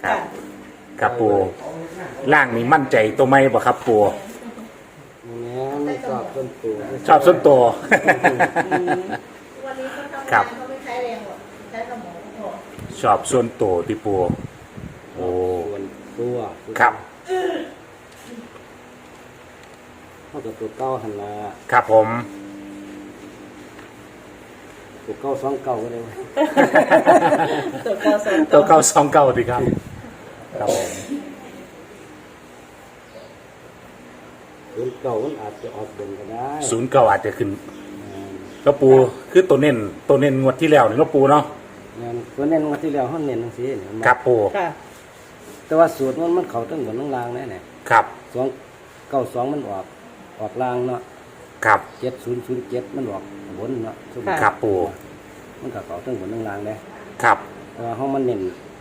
ครับครับปูล่างนี่มั่นใจตัวไม่บ่ครับปูไม่ชอบต้นตัวชอบส้นตัววันนี้เขาทำครังาบนเขาไม่ใช้แรงหรอกใช้สมองพอชอบส่วนตัวที่ปูโอ้ส่วนตัวครับเท่ากับตัวเก้าหันละครับผมตัวเก้าสองเก้าก็ได้ตัวกอสองตัวเก้าสองเก้าดีครับครับผมตัวเก้ามันอาจจะออกบนก็ได้ศูนย์เก้าอาจจะขึ้นก็ปูคือตัวเน้นงวดที่แล้วนี่ก็ปูเนาะงานตัวเน้นมาที่แล้วห้องเน้นทั้งสี่เนี่ยมันครับปูค่ะแต่ว่าสูตรมันเขาตั้งบนตั้งล่างแน่เนี่ยครับสองเก้าสองมันออกล่างเนาะครับ 7007มันออกบนเนาะทุกครับปูมันก็เขาตั้งบนตั้งล่างเลยครับแต่ว่าห้องมันเน้น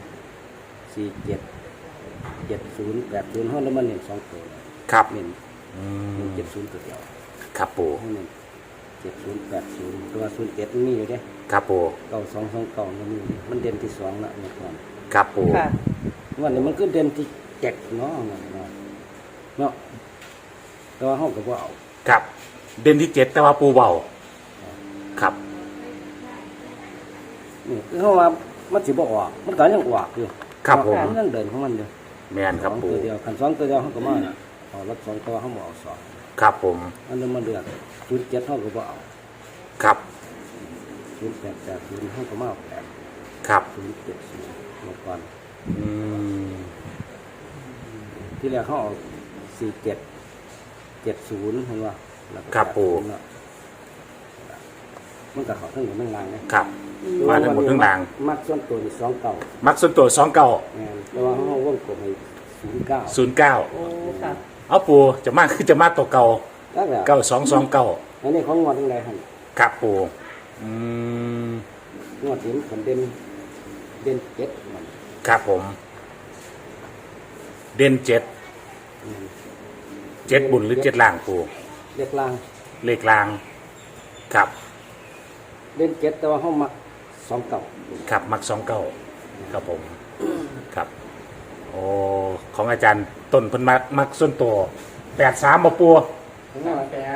477080ห้องแล้วมันเน้นสองตัวครับเน้นอืม 70ตัวเดียวครับปูห้องเน้น7080ตัว07มันมีอยู่เด้ครับปู 9229มันมีมันเด่นที่2ละเมื่อก่อนครับปูค่ะวันนี้มันก็เด่นที่7เนาะเนาะแต่ว่าห้องก็บ่เอาครับ เด่นที่เจ็ดแต่ว่าปูเบาครับนี่คือเฮาว่ามันสิบ่ออกมันก็ยังออกอยู่ครับผมมันยังเดินของมันอยู่แม่นครับสองปูตัวเดียวคัน2ตัวเดียวเฮาก็มาน่ะเอารถ2ตัวเฮาบ่เอา2 ครับผมอันนั้นมันเดือด07เฮาก็บ่เอาครับ 0880เฮาก็มาเอา8 ครับ 070เมื่อก่อนอืมที่แรกเขาเอา4770เห็นว่าแล้วก็ครับปู 80เนาะมันก็เขาทั้งหมดทั้งรางเลยครับ มาทั้งหมดทั้งรางมักส่วนตัวนี่29 มักส่วนตัวสองเก้าแม่นแต่ว่าเขาวงกลมให้09 ศูนย์เก้าโอ้ค่ะเอาปูจะมากคือจะมากตัวเก่าแล้วแหละเก้าสองสองเก้าอันนี้ของงวดทั้งใดหั่นครับปูอืมงวดนี้มันเด่น7มันครับผม เด่นเจ็ดอืมเจ็ดบุญหรือเจ็ดล่างปูเด็กลางเลขล่าง ครับเด่น7แต่ว่าเขามัก29 ครับมักสองเก้าครับผมครับ โอ้ของอาจารย์ต้นเพิ่นมักส่วนตัว83บ่ปูทั้งนั้นแปด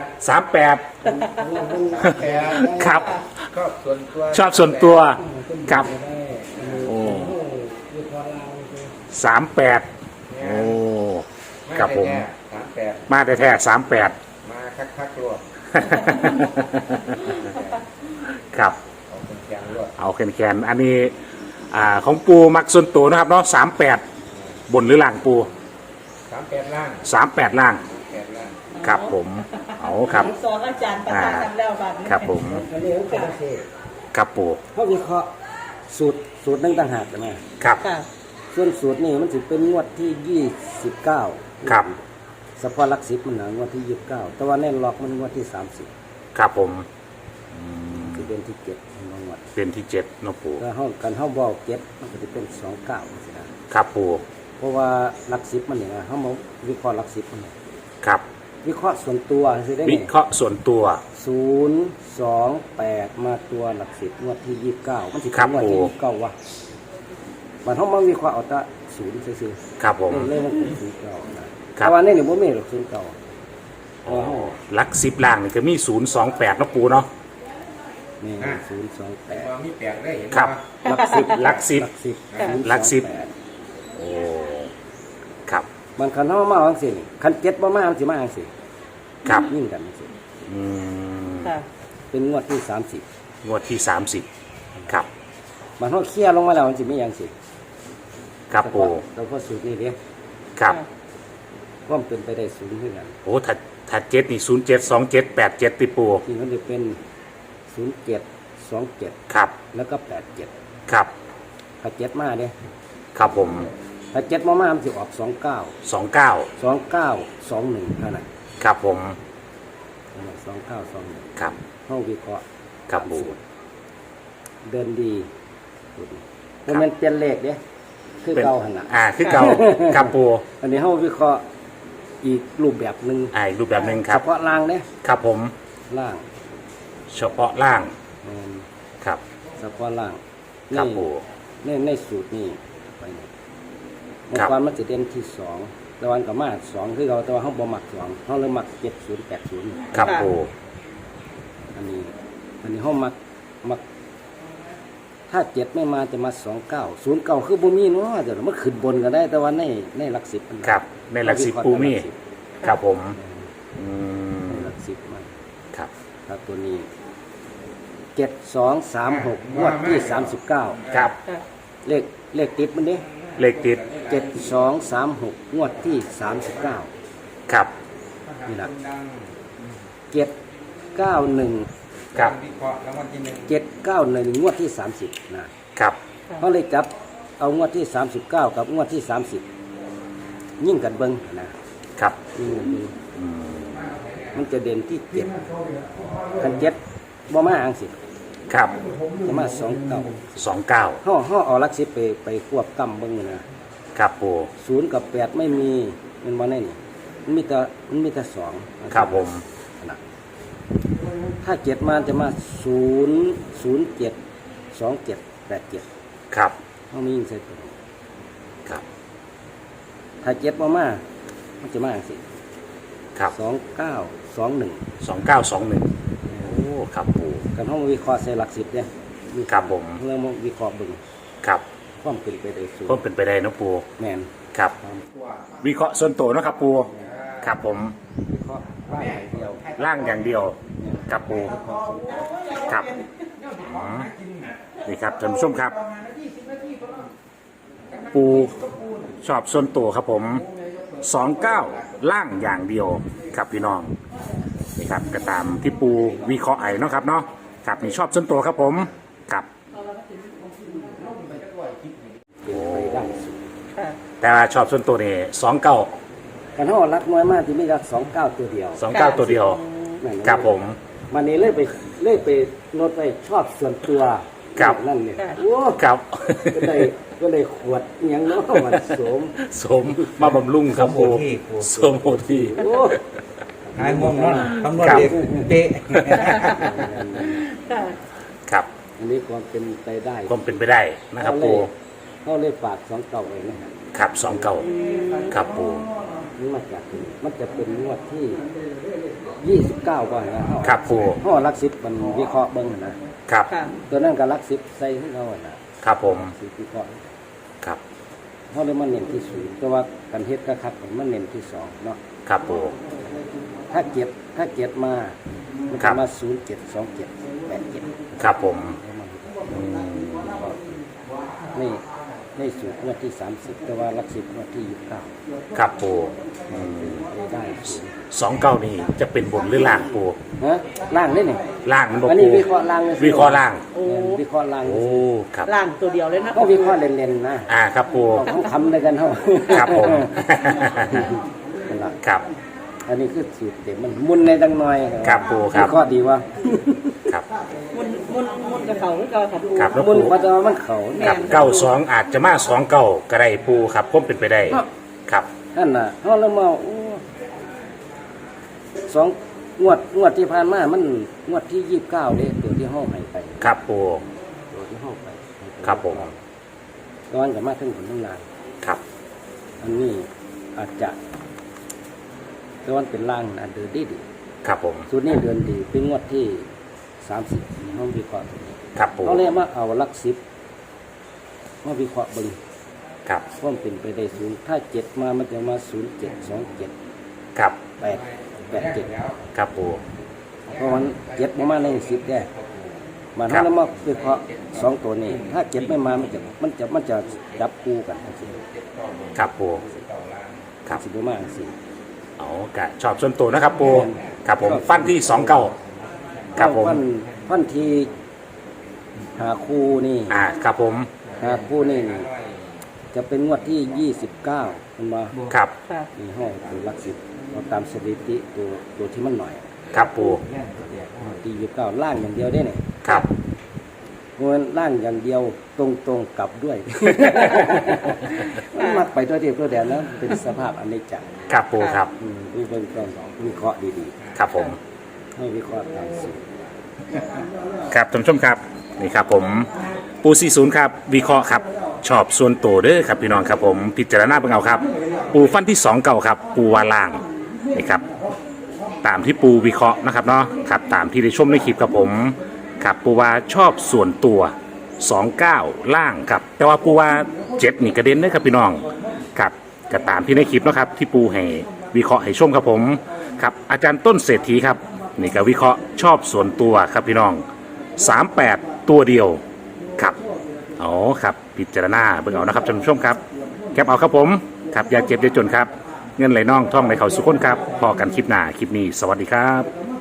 38 แปดครับก็ส่วนตัวชอบส่วนตัวครับ โอ้คือพอลาง 38โอ้ครับผม 38 มาแท้ๆ38 มาคักๆรวดครับเอาเป็นแกงรวดเอาแคนๆอันนี้ของปูมักส่วนตัวนะครับเนาะ38บนหรือล่างปู 38ล่าง 38ล่าง 8ล่างครับผมเอาครับสอนอาจารย์ประธานทำแล้วบัดนี้ครับผมอันนี้มันเป็นประเทศครับปูเขาวิเคราะห์สูตรนึงต่างหากกันนะครับค่ะส่วนสูตรนี่มันสิเป็นงวดที่29 ครับเฉพาะหลัก10มันนะงวดที่29แต่ว่าแน่นล็อกมันงวดที่30 ครับผมอืมคือเดือนที่7ของงวดเป็นที่7เนาะปูถ้าเฮากันเฮาบ่เอา7มันก็สิเป็น29จังซี่นะครับปูเพราะว่าหลัก10มันนี่นะเฮามาวิเคราะห์หลัก10มันน่ะครับวิเคราะห์ส่วนตัวสิได้วิไงเคราะห์ส่วนตัว 028มาตัวหลัก10งวดที่29มันสิครัเป็บนงวดที่โอ้ 29วะมันเฮามาวิเคราะห์เอาแต่0ซื่อครับผมๆเลยมันเป็น09นะครับ แต่ว่าในนี่บ่มีหรอก09เพราะว่าเฮาหลัก10ล่างนี่ก็มี028เนาะปูเนาะนี่มา 028 มีแปลกได้เห็นครับว่าหลัก10 หลักสิบ หลักสิบ 028 โอ้ครับมันคันเฮามาจังซี่นี่คัน7บ่มามันสิมาจังซี่ครับยิ่งกันจังซี่อืมค่ะเป็นงวดที่30 งวดที่30ครับมันเฮาเคลียร์ลงมาแล้วมันสิมีหยังสิครับปูเราพอสูตรนี้เด้ครับว่ามันเป็นไปได้สูงขึ้นกันโอ้ถ้า7นี่072787ติปูที่มันจะเป็น0727 ครับแล้วก็87 ครับถ้า7มาเด้ครับผมถ้า7มามันสิออก29 29 2921เท่านั้นครับผม 2921 ครับเฮาวิเคราะห์ครับปูเดินดีบ่แม่นเปลี่ยนเลขเด้คือเก่าหั่นน่ะคือเก่าครับปูอันนี้เฮาวิเคราะห์อีกรูปแบบหนึงอีกรูปแบบหนึงครัเฉบพาะล่างเด้ครับผมล่างเฉพาะล่างแม่นครับเฉพาะล่างครับปูในสูตรนี้ไปนี่เมื่อก่อนมันจะเด่นที่สองแต่วันกับมาสองคือเราแต่ว่าเขาบ่มักสองเขาเลยมัก7080 ครับปูอันนี้เขามักถ้า7ไม่มาจะมา29 09คือบ่มีเนาะแต่มันขึ้นบนก็ได้แต่ว่าในหลัก10มันครับในหลักสิบปูมีครับผมในหลัก10มันครับครับตัวนี้7236งวดที่39 ครับค่ะเลขติดมันเด้เลขติด 7236งวดที่39 ครับนี่ล่ะ791 ครับ 791งวดที่30นะครับ เขาเลยจับเอางวดที่39กับงวดที่30ยิ่งกันเบิ่งนะครับ ยิ่งกันเบิ่งมันจะเด่นที่7คัน7บ่มาอังสิครับจะมา29 29 เฮาเอาหลัก10ไปควบกำเบิ่งนะครับปู 0กับ8ไม่มีมันบ่ได้นี่มันมีแต่2 ครับผมนะถ้า7มาจะมา007 27 87 ครับเฮามียิงใส่ตัวครับถ้า7บ่มามันจะมาจังซี่ครับ 2921 2921โอ้ครับปูกันเฮามาวิเคราะห์ใส่หลัก10เด้ครับผมเรื่องมาวิเคราะห์เบิ่งครับความเป็นไปได้สูงก็เป็นไปได้นะปูแม่นครับ วิเคราะห์ส่วนตัวเนาะครับปูครับผมวิเคราะห์บ้านอย่างเดียวร่างอย่างเดียวครับปูครับอ๋อนี่ครับท่านผู้ชมครับ ปูชอบส่วนตัวครับผม29ล่างอย่างเดียวครับพี่น้องนี่ครับก็ตามที่ปูวิเคราะห์ไอ้เนาะครับเนาะครับนี่ชอบส่วนตัวครับผมครับเป็นไปได้สูงค่ะแต่ว่าชอบส่วนตัวนี่29 กันเฮารักน้อยมากที่ไม่รัก29ตัวเดียว 29ตัวเดียวนั่นครับผมมันนี่เลยไปโนดไปชอบส่วนตัวครับนั่นเนี่ยค่ะโอ้ครับก็เลยขวดอิหยังเนาะมันสมสมมาบำรุงครับปูสมโอทีโอ้หายง่วงนอนคำนวณเด็กเป๊ะค่ะครับอันนี้ความเป็นไปได้ความเป็นไปได้นะครับปูเขาเลยฝาก29ไว้นะครับ 29ครับปูนี่มันจะเป็นงวดที่29ก่อนนะครับปูเฮารัก10มันวิเคราะห์เบิ่งนะครับค่ะตัวนั้นก็รัก10ใส่ให้เขานะครับผมสิวิเคราะห์ครับเฮาเลยมาเน้นที่0แต่ว่ากันเฮ็ดก็คัดมันเน้นที่2เนาะครับปูถ้าเก็บมามันครัจะบมา072787 ครับผมในสูตรงวดที่30แต่ว่ารัก10งวดที่29 ครับปูไปได้สูง 29นี่จะเป็นบนหรือล่างปูฮะล่างได้นี่ล่างมันบอกอันนี้ปูวิเคราะห์ล่างเลยวิเคราะห์ล่างโอ้วิเคราะห์ล่างโอ้ครับล่างตัวเดียวเลยนะก็วิเคราะห์เล่นๆนะครับปูต้องคำด้วยกันเฮาครับผมนั่นล่ะครับอันนี้คือสูตรเต็มมันมุนในดังหน่อยครับปู่ครับวิเคราะห์ดีว่าครับมุนกับเขาหรือเก่าค่ะปูครับแล้วมุนปูเพราะว่ามันเขาครับ92อาจจะมา29ก็ได้ปูครับผมเป็นไปได้ครับนั่นน่ะเฮาแล้วมาโอ้สองงวดที่ผ่านมามันงวดที่29เด้ตัวที่เฮาให้ไปครับปูตัวที่เฮาไปครับผมตอนก็มาถึงผลทั้งนานครับอันนี้อาจจะตอนเป็นล่างอันเดินดีครับผมสูตรนี้เดินดีเป็นงวดที่30เฮาวิเคราะห์ตัวนี้ครับปูเขาเลยมาเอาหลัก10มาวิเคราะห์เบิ่งครับว่ามันเป็นไปได้สูงถ้า7มามันจะมา0727 ครับ 887 ครับปูเพราะมัน7มาใน10ได้มันครับเฮาแล้วมาวิเคราะห์2ตัวนี้ ถ้า7ไม่มามันจะจับคู่กันจังซี่ครับปูครับสิบ่มาจังซี่เอากะชอบส่วนตัวนะครับปูครับผมฟันที่29ครับผมฟันที่หาคู่นี่ครับผมหาคู่นี่จะเป็นงวดที่29เห็นบ่ครับค่ะนี่ห้องคือหลัก10เราตามสถิติตัวที่มันหน่อยครับปูที่29ล่างอย่างเดียวได้เนี่ยครับเพราะฉะนั้นล่างอย่างเดียวตรงๆกลับด้วย มันมักไปตัวเดียวตัวเดียวแล้วเป็นสภาพอนิจจ์ครับปูครับวิเบิ่งก่อนวิเคราะห์ดีครับผมๆให้วิเคราะห์ตามสูตรครับท่านผู้ชมครับนี่ครับผมปู40ครับวิเคราะห์ครับชอบส่วนตัวเด้อครับพี่น้องครับผมพิจารณาเป็นเอาครับ ปูฟันที่2เก่าครับปูวาล่างนะครับตามที่ปูวิเคราะห์นะครับเนาะครับตามที่ได้ชมในคลิปครับผมครับปูว่าชอบส่วนตัว29ล่างครับแต่ว่าปูว่า7นี่กระเด็นเด้อครับพี่น้องครับก็ตามที่ในคลิปเนาะครับที่ปูให้วิเคราะห์ให้ชมครับผมครับอาจารย์ต้นเศรษฐีครับนี่ก็วิเคราะห์ชอบส่วนตัวครับพี่น้อง38ตัวเดียวครับอ๋อครับพิจารณาเบิ่งเอานะครับท่านผู้ชมครับแคปเอาครับผมครับอย่าเจ็บอย่าจนครับเงินไหลน่องท่องไหลเข่าสุขคนครับพอกันคลิปหน้าคลิปนี้สวัสดีครับ